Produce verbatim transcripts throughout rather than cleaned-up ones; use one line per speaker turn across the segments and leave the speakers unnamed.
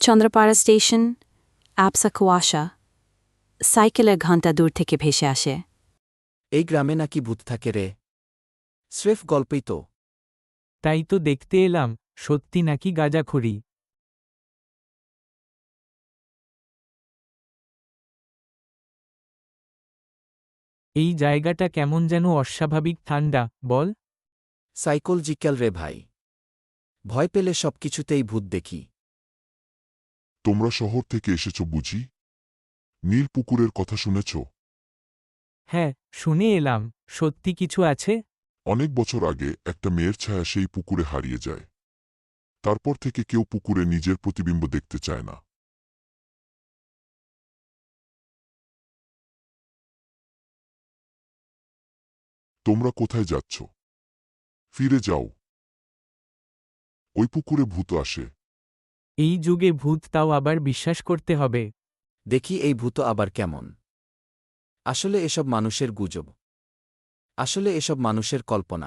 Chandrapara station, অ্যাপসা কুয়াশা, সাইকেলের ঘণ্টা দূর থেকে ভেসে আসে।
এই গ্রামে নাকি ভূত থাকে রে। স্রেফ গল্পই তো।
তাই তো দেখতে এলাম, সত্যি নাকি গাঁজাখড়ি। এই জায়গাটা কেমন যেন অস্বাভাবিক ঠান্ডা, বল।
সাইকোলজিক্যাল রে ভাই। ভয় পেলে সবকিছুতেই ভূত দেখি।
তোমরা শহর থেকে এসেছ বুঝি? নীল পুকুরের কথা শুনেছ?
হ্যাঁ, শুনে এলাম। সত্যি কিছু আছে?
অনেক বছর আগে একটা মেয়ের ছায়া সেই পুকুরে হারিয়ে যায়। তারপর থেকে কেউ পুকুরে নিজের প্রতিবিম্ব দেখতে চায় না। তোমরা কোথায় যাচ্ছ? ফিরে যাও। ওই পুকুরে ভূত আসে।
এই যুগে ভূত, তাও আবার বিশ্বাস করতে হবে?
দেখি এই ভূত আবার কেমন। আসলে এসব মানুষের গুজব। আসলে এসব মানুষের কল্পনা।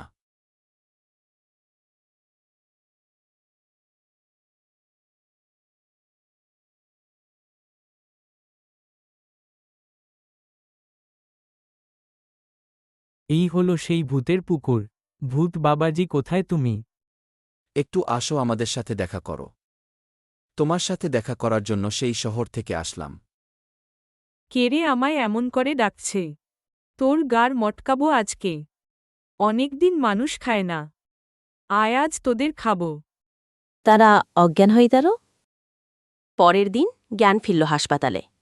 এই হলো সেই ভূতের পুকুর। ভূত বাবাজি, কোথায় তুমি?
একটু আসো, আমাদের সাথে দেখা করো। তোমার সাথে দেখা করার জন্য সেই শহর থেকে আসলাম।
কেরে আমায় এমন করে ডাকছে? তোর গার মটকাবো আজকে। অনেকদিন মানুষ খায় না। আয় আজ তোদের খাবো।
তারা অজ্ঞান হয়ে গেল। পরের দিন জ্ঞান ফিরল হাসপাতালে।